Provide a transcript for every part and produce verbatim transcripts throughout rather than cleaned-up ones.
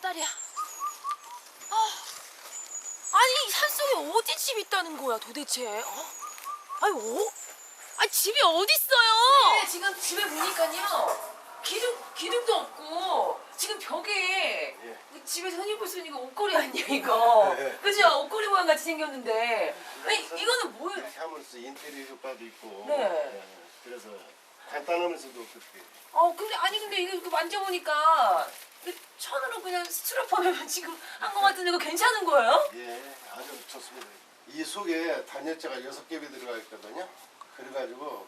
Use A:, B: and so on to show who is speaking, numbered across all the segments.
A: 다리야. 아, 아니 이 산속에 어디 집 있다는 거야 도대체? 어? 아니 어? 아니 집이 어디 있어요? 네, 지금 집에 보니까요 기둥 기둥도 없고 지금 벽에
B: 예.
A: 집에서 흔히 볼 수 있는 이거 옷걸이 아니야 이거?
B: 네.
A: 그죠? 옷걸이 모양 같이 생겼는데. 아니 이거는 뭐예요?
B: 하면서 인테리어 효과도 있고.
A: 네.
B: 예, 그래서 간단하면서도 그렇게.
A: 어 근데 아니 근데 이거 이거 만져보니까 이거 천으로 그냥 스티로폼에만 지금 한 거 같은데 이거 괜찮은 거예요?
B: 예, 아주 좋습니다. 이 속에 단열재가 여섯 겹이 들어가 있거든요. 그래가지고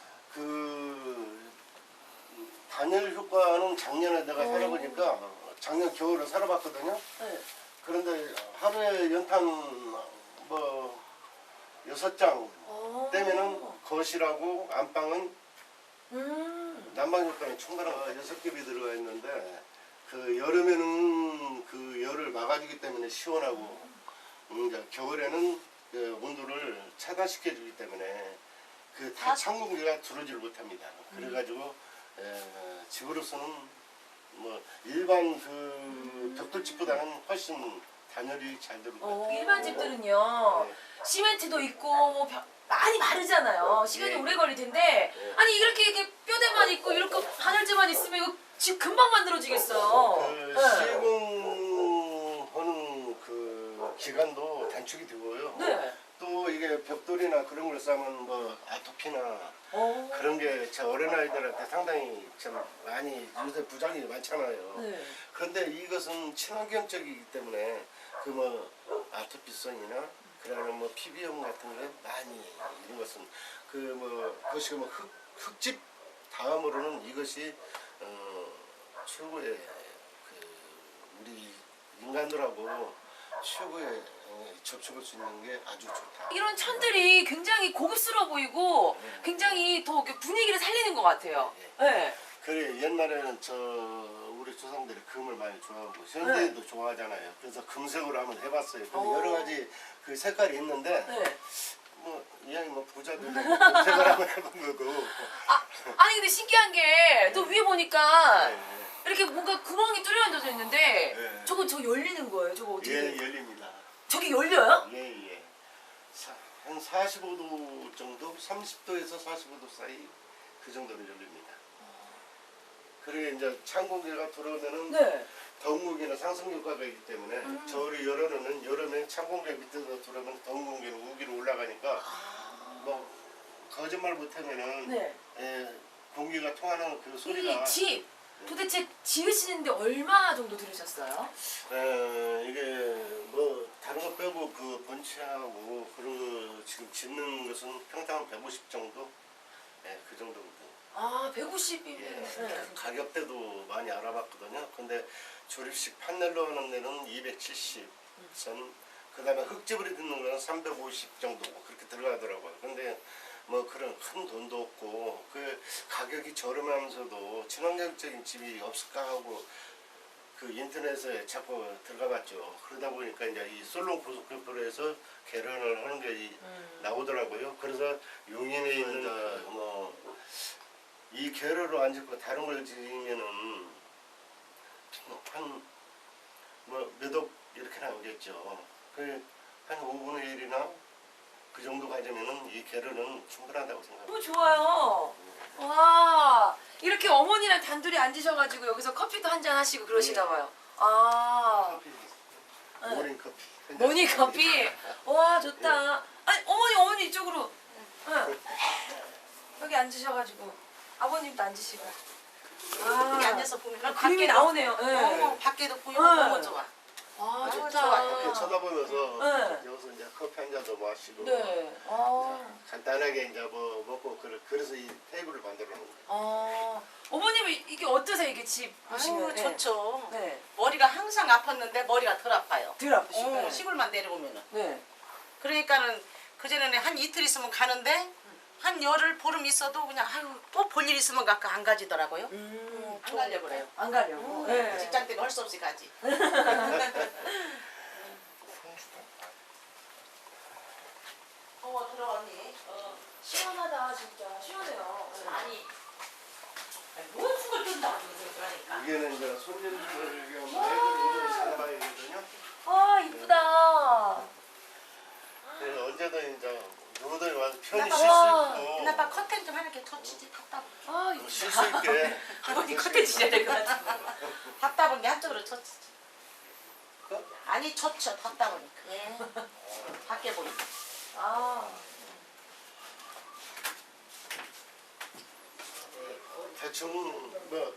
B: 그 단열 효과는 작년에 내가
A: 오.
B: 살아보니까 작년 겨울에 살아봤거든요.
A: 네.
B: 그런데 하루에 연탄 뭐 여섯 장
A: 어.
B: 떼면은 거실하고 안방은
A: 음.
B: 난방 효과는 충분한 거 여섯 겹이 들어가 있는데 그 여름에는 그 열을 막아주기 때문에 시원하고 음, 이제 겨울에는 그 온도를 차단시켜 주기 때문에 그 다 찬 공기가 들어오질 못합니다. 그래가지고 에, 집으로서는 뭐 일반 그 벽돌집보다는 훨씬 단열이 잘 들어올 것 같아요.
A: 어, 일반 집들은요
B: 네.
A: 시멘트도 있고 뭐 벽- 많이 마르잖아요. 시간이
B: 예.
A: 오래 걸릴 텐데
B: 예.
A: 아니 이렇게 이렇게 뼈대만 있고 이렇게 바늘재만 있으면 이거 집 금방 만들어지겠어요.
B: 그
A: 네.
B: 시공하는 그 기간도 단축이 되고요.
A: 네.
B: 또 이게 벽돌이나 그런 걸 싸면 뭐 아토피나
A: 어.
B: 그런 게 제 어린아이들한테 상당히 참 많이 요새 부작용이 많잖아요.
A: 네.
B: 그런데 이것은 친환경적이기 때문에 그 뭐 아토피성이나 그다음에 뭐 피부염 같은 게 많이 이런 것은 그 뭐 그것이 뭐 흙, 흙집 다음으로는 이것이 어 최고의 그 우리 인간들하고 최고의 어, 접촉할 수 있는 게 아주 좋다.
A: 이런 천들이 굉장히 고급스러워 보이고 굉장히 더 이렇게 분위기를 살리는 것 같아요. 네.
B: 그래 옛날에는 저 우리 조상들이 금을 많이 좋아하고 현대에도 좋아하잖아요. 그래서 금색으로 한번 해봤어요. 근데
A: 오.
B: 여러 가지 그 색깔이 있는데
A: 네.
B: 뭐 이왕이 뭐 부자들 금색을 한번 해본 거고.
A: 아, 아니 근데 신기한 게 또 위에 보니까
B: 네,
A: 이렇게 뭔가 구멍이 뚫려져 있는데
B: 네.
A: 저거 저 열리는 거예요. 저거 어떻게?
B: 예, 열립니다.
A: 저게 열려요?
B: 예, 예. 사, 한 사십오 도 정도, 삼십 도에서 사십오 도 사이 그 정도로 열립니다. 그리고 이제 찬 공기가 들어오면은
A: 네.
B: 더운 공기는 상승 효과가 있기 때문에
A: 음.
B: 저울이 열어놓는 여름에 찬 공기가 밑에서 들어오면 더운 공기는 위로 올라가니까
A: 아.
B: 뭐 거짓말 못하면은
A: 네.
B: 예, 공기가 통하는 그 소리가
A: 이 집 도대체 지으시는데 얼마 정도 들으셨어요?
B: 에, 이게 뭐 다른 거 빼고 그 번치하고 그런 거 지금 짓는 것은 평당 백오십 정도, 예, 그 정도거든요.
A: 아 백오십이면
B: 예,
A: 네.
B: 가격대도 많이 알아봤거든요. 근데 조립식 판넬로 하는 데는 이백칠십 선, 그 다음에 흙집으로 짓는 거는 삼백오십 정도 그렇게 들어가더라고요. 근데 뭐 그런 큰 돈도 없고 그 가격이 저렴하면서도 친환경적인 집이 없을까 하고 그 인터넷에 자꾸 들어가봤죠. 그러다 보니까 이제 이 솔롱 고속교포로에서 개런을 하는 게
A: 음.
B: 나오더라고요. 그래서 용인에 있는 뭐 이 개로로 안 짓고 다른 걸 지으면은 한 뭐 몇 억 이렇게 나오겠죠. 그 한 오분의 일이나 그 정도 가지면은 이 개로는 충분하다고 생각합니다.
A: 너무 좋아요. 와 이렇게 어머니랑 단둘이 앉으셔가지고 여기서 커피도 한잔 하시고 그러시나 봐요. 아
B: 커피,
A: 네.
B: 모닝 커피.
A: 모닝 커피. 와 좋다. 아니 어머니 어머니 이쪽으로. 응. 여기 앉으셔가지고 아버님도 앉으시고.
C: 여기
A: 아
C: 앉아서 보면
A: 그림이 나오네요. 네.
C: 어, 밖에도 보이고
A: 네.
C: 너무 좋아.
A: 아
C: 아,
A: 좋다.
C: 좋아요.
B: 이렇게 쳐다보면서
A: 네.
B: 여기서 이제 커피 한 잔도 마시고
A: 네. 아.
B: 간단하게 이제 뭐 먹고 그래, 그래서 이 테이블을 만들어 놓은 거예요.
A: 어, 어머님은 이게 어떠세요? 이게 집 보시면?
C: 아유 좋죠.
A: 네.
C: 머리가 항상 아팠는데 머리가 덜 아파요.
A: 덜 아프시고.
C: 어, 시골만 내려오면은.
A: 네.
C: 그러니까는 그 전에는 한 이틀 있으면 가는데 한 열흘 보름 있어도 그냥 아유 또 볼 일 있으면 가까 안 가지더라고요.
A: 음,
C: 안 가려 그래요.
A: 안 가려고.
C: 음,
A: 네.
C: 직장 때문에 할 수 없이 가지. 어 들어 언니. 어.
A: 시원하다 진짜 시원해요. 네.
C: 아니. 뭔 죽을 뜬다고 그러니까.
B: 이게는 이제 손님들 겸 애들 오는
C: 커튼 좀 하나 이렇게 터치지 답답.
A: 아 이거
B: 쉴 수 있게.
A: 아버님 커튼 치셔야 될 것 같아.
C: 답답한 게 한쪽으로 터치지.
B: 그?
C: 아니 젖혀 답답하니까. 예. 밖에 보니까.
A: 아
B: 대충 뭐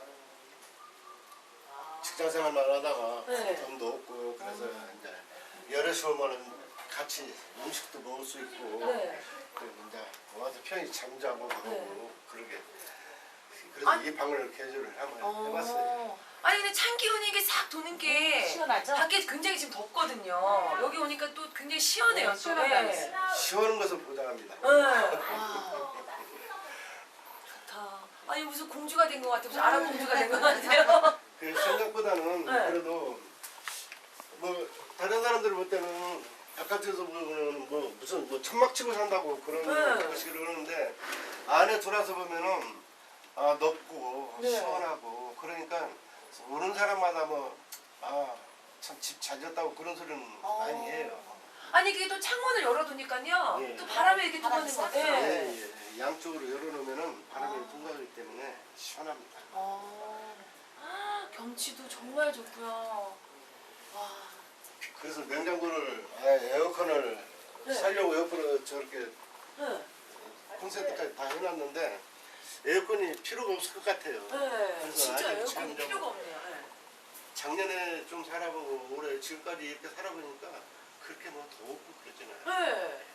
B: 직장 생활만 하다가
A: 네.
B: 돈도 없고 그래서 이제 여럿이 오면은 같이 음식도 먹을 수 있고
A: 네.
B: 그리고 이제 와서 편히 잠자고 그러고
A: 네.
B: 그러게 그래서
A: 아니.
B: 이 방을 개조를 한번
A: 어.
B: 해봤어요.
A: 아니 근데 찬 기운이 이게 싹 도는 게
C: 시원하죠?
A: 밖에 굉장히 지금 덥거든요. 여기 오니까 또 굉장히 시원해요.
C: 네,
A: 또.
C: 시원하다고
A: 네.
B: 시원한 것을 보장합니다.
A: 네. 와. 좋다. 아니 무슨 공주가 된 것 같아. 무슨 아랍 공주가 된 것 같아요.
B: 그 생각보다는
A: 네.
B: 그래도 뭐 다른 사람들 볼 때는 바깥에서 보면 뭐 무슨 뭐 천막 치고 산다고 그런
A: 네.
B: 것이 그러는데 안에 들어와서 보면은 아 넓고
A: 네.
B: 시원하고 그러니까 오는 사람마다 뭐 아 참 집 잘 졌다고 그런 소리는
A: 어.
B: 많이 해요.
A: 아니 이게 또 창문을 열어두니까요.
B: 네.
A: 또 바람이 이렇게
C: 바람이
A: 통하는 거.
C: 싹
A: 네.
B: 예, 예. 양쪽으로 열어놓으면은 바람이 통과하기 때문에 시원합니다.
A: 어. 아, 경치도 정말 좋고요. 와.
B: 그래서 냉장고를 아, 에어컨을
A: 네.
B: 살려고 에어컨을 저렇게
A: 네.
B: 콘센트까지 다 해놨는데 에어컨이 필요가 없을 것 같아요.
A: 네.
B: 그래서
A: 진짜
B: 아직
A: 에어컨
B: 지금 좀
A: 필요가 없네요. 네.
B: 작년에 좀 살아보고 올해 지금까지 이렇게 살아보니까 그렇게 뭐 더웠고 그러잖아요.
A: 네.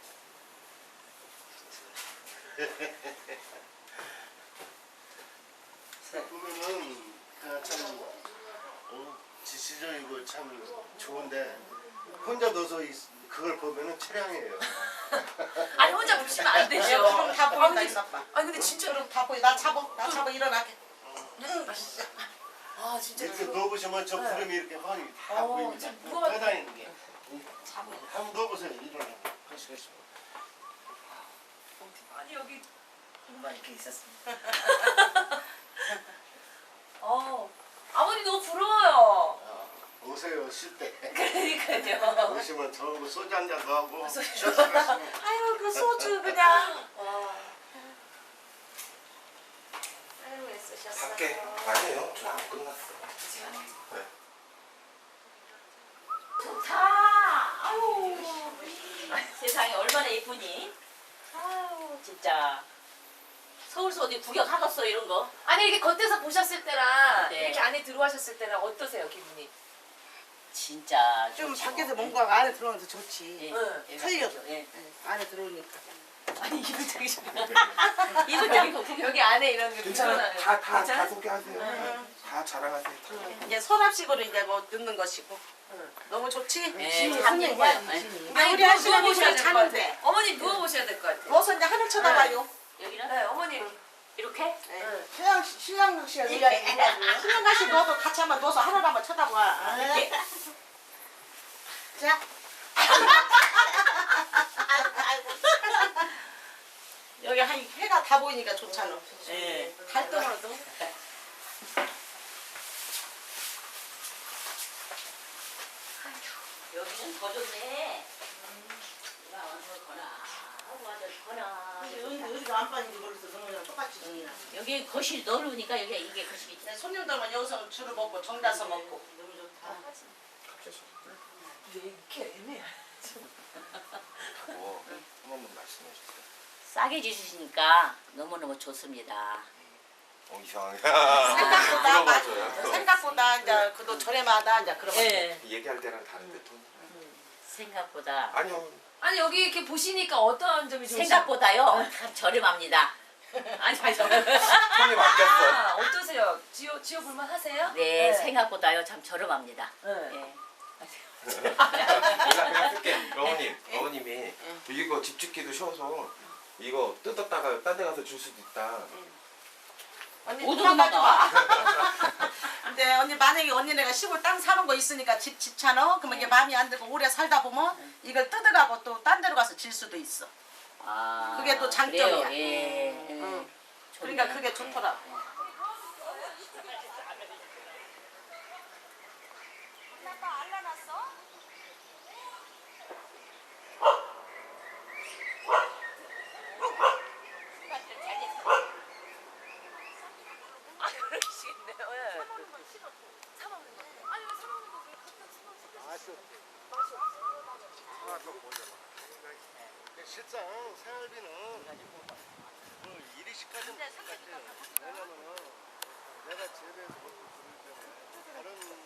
B: 보면은 아, 참 어, 지시적이고 참 좋은데 혼자 넣어서 이- 그걸 보면은 차량이에요.
A: 아니 혼자 보시면 안 되죠.
C: 그럼 다 보인다
A: 아니,
C: 이 아빠.
A: 아니 근데 진짜
C: 그럼 다 보이. 나 잡어. 나 잡어 일어나게.
A: 아 진짜
B: 이렇게
A: 그거-
B: 누워보시면 저
A: 네.
B: 구름이 이렇게 훤히 다
A: 어,
B: 보입니다.
A: 진짜 무거워.
B: 떠다니는 게.
C: 잡어.
B: 한번 누워보세요. 일어나. 하시겠어요.
A: 아니 여기 정말 이렇게 있었습니다. 어 아버님 너무 부러워요.
B: 아, 오세요 쉴 때.
A: 그러니까요.
B: 오시면 저하고 소주 한 잔 더 하고
A: 소주.
B: 쉬었다 가시면
C: 아유 그 소주 그냥.
A: 와.
C: 아유 애쓰셨어.
D: 밖에 아니에요. 저 안 끝났어. 네.
E: 좋다. 아유, 세상에 얼마나 예쁘니? 아유, 진짜. 서울서 어디 구경하겠어 이런 거?
A: 아니 이렇게 겉에서 보셨을 때랑
E: 네.
A: 이렇게 안에 들어와셨을 때랑 어떠세요 기분이?
E: 진짜
C: 좀
E: 좋죠.
C: 밖에서 뭔가 안에 들어오면서 좋지.
E: 예,
A: 응.
E: 예,
C: 틀려.
E: 예.
C: 안에 들어오니까.
A: 아니 이분 되게 좋
E: 이분 저기 거
A: 여기 안에 이런 게
D: 괜찮아요.
A: 불편하네요.
D: 다, 다, 다
A: 괜찮아요?
D: 소개하세요.
C: 응.
D: 다 자랑하세요. 다.
C: 이제 서랍식으로 이제 뭐 넣는 것이고.
A: 응.
C: 너무 좋지?
E: 예, 참 예뻐요. 예.
C: 근데
A: 아니
C: 우리
A: 누워,
C: 아시는
A: 누워보셔야
C: 분이
A: 될 것 같아요.
C: 자는데.
A: 어머니 누워보셔야 될 것 같아요.
C: 누워서 이제 하늘 쳐다봐요.
E: 여기는
A: 네 어머니.
E: 이렇게?
C: 네. 신랑 신랑 씨가 의아해. 신랑 가시 너도 같이 한번 누워서 하늘 한번 쳐다봐.
E: 이렇게.
C: 자. 여기 한 해가 다 보이니까 좋잖아.
E: 예.
C: 달동으로도.
E: 여기는 더 좋네. 누가 와서 거나 하고 와서 거나.
C: 어디가 안방인지 모르겠어. 너는 똑같이 정이나.
E: 여기 거실 넓으니까 여기 이게 거실이.
C: 네, 손님들만 여기서 줄을 먹고 정다서 먹고. 너무 좋다.
A: 왜 이렇게 애매해?
D: 뭐, 한 번만 말씀해 주세요.
E: 싸게 주시니까 너무너무 좋습니다.
D: 어, 이상하게.
C: 생각보다 맛,
D: 물어봐줘요.
C: 생각보다 이제 그도 저렴하다 이제 그런 거.
E: 예.
D: 얘기할 때랑 다른데 톤.
E: 생각보다
D: 아니요.
A: 아니 여기 이렇게 보시니까 어떤 점이 좋으세요?
E: 생각보다요 참 저렴합니다.
A: 아니 아니 저.
D: 톤이 바뀌었어.
A: 아 어떠세요? 지어 지어 볼만 하세요?
E: 네, 생각보다요 참 저렴합니다.
A: 네.
E: 예.
D: 내가 그냥 쓸게. 어머님, 어머님이 이거 집짓기도 쉬워서 이거 뜯었다가 딴 데 가서 줄 수도 있다.
C: 언니
E: 못
C: 도망가지 마.
E: 도망가.
C: 근데 언니 만약에 언니네가 시골 땅 사는 거 있으니까 집 집잖아. 그러면 이게 마음에 안 들고 오래 살다 보면 이걸 뜯어가고 또 딴 데로 가서 질 수도 있어.
E: 아,
C: 그게 또 장점이야.
E: 그래요? 예.
C: 응.
E: 좋네.
C: 그러니까 그게 좋더라.
A: 드시겠네요. 예. 사 먹는 건 싫어. 사 먹는 거. 아니 왜 사 먹는 거 왜 갖다 주면 맛이 없어. 맛이 없어.
B: 하나 더 보려봐. 실상 생활비는 뭐 일이시까지는 못 같아요. 왜냐면은 내가 재배해서 먹고 그러기 때문에 다른 데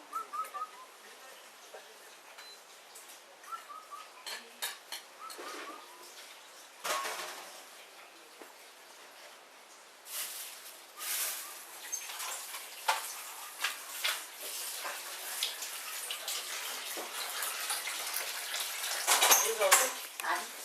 C: 아니